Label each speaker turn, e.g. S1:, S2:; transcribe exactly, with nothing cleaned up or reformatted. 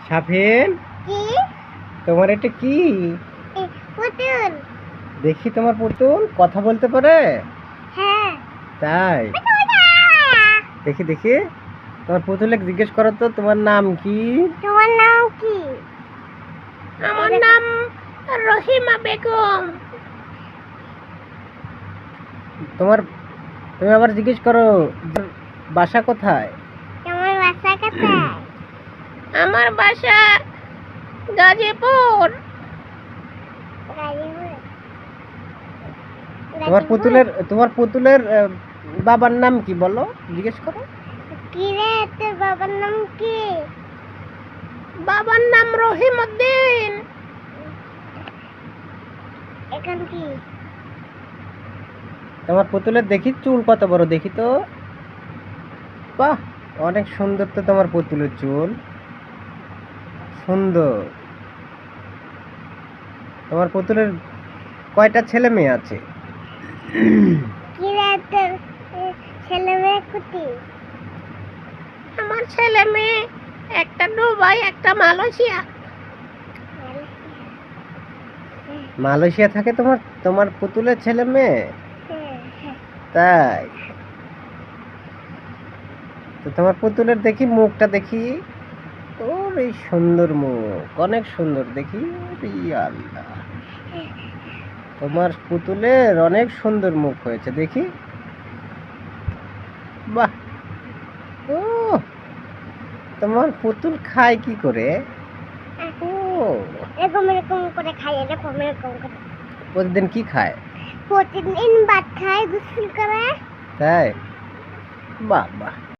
S1: সাফিন,
S2: কি?
S1: তোমার এটা কি?
S2: এ, পুতুল।
S1: দেখি তোমার পুতুল কথা বলতে পারে?
S2: হ্যাঁ।
S1: তাই? দেখি দেখি তোমার পুতুলে জিজ্ঞেস করো তো তোমার নাম কি?
S2: তোমার নাম কি?
S3: আমার নাম রহিমা বেগম।
S1: তোমার তুমি আবার জিজ্ঞেস করো বাসা কোথায়?
S2: তোমার বাসা কোথায়?
S3: আমার বাসা গাজীপুর।
S2: গাজীপুর।
S1: তোমার পুতুলের তোমার পুতুলের আহ, বাবার নাম কি বলো, জিজ্ঞেস করো।
S2: কি রে, তোর বাবার নাম কি?
S3: বাবার নাম রহিম উদ্দিন।
S2: এখন কি?
S1: তোমার পুতুলের দেখি চুল কত বড়, দেখি তো। বাহ, অনেক সুন্দর তো তোমার পুতুলের চুল, সুন্দর। তোমার পুতুলের কয়টা ছেলে মেয়ে আছে?
S2: কি রে, তোর এ, ছেলে মেয়ে কুটি?
S3: আমার ছেলে মেয়ে একটা দুবাই, একটা মালয়েশিয়া।
S1: মালয়েশিয়া থাকে তোমার তোমার পুতুলের ছেলে মেয়ে?
S2: হ্যাঁ, হ্যাঁ।
S1: তাই? তো তোমার পুতুলের দেখি মুখটা দেখি। ওর এই সুন্দর মুখ, অনেক সুন্দর দেখি। ওরে আল্লাহ, তোমার পুতুলের অনেক সুন্দর মুখ হয়েছে দেখি। বাহ, ও তোমার পুতুল খায় কি করে? ও
S2: এরকম এরকম করে খাই, এরকম এরকম করে।
S1: প্রতিদিন কি খায়?
S2: প্রতিদিন ভাত খায়, গোসল করে।
S1: তাই? বাহ বাহ।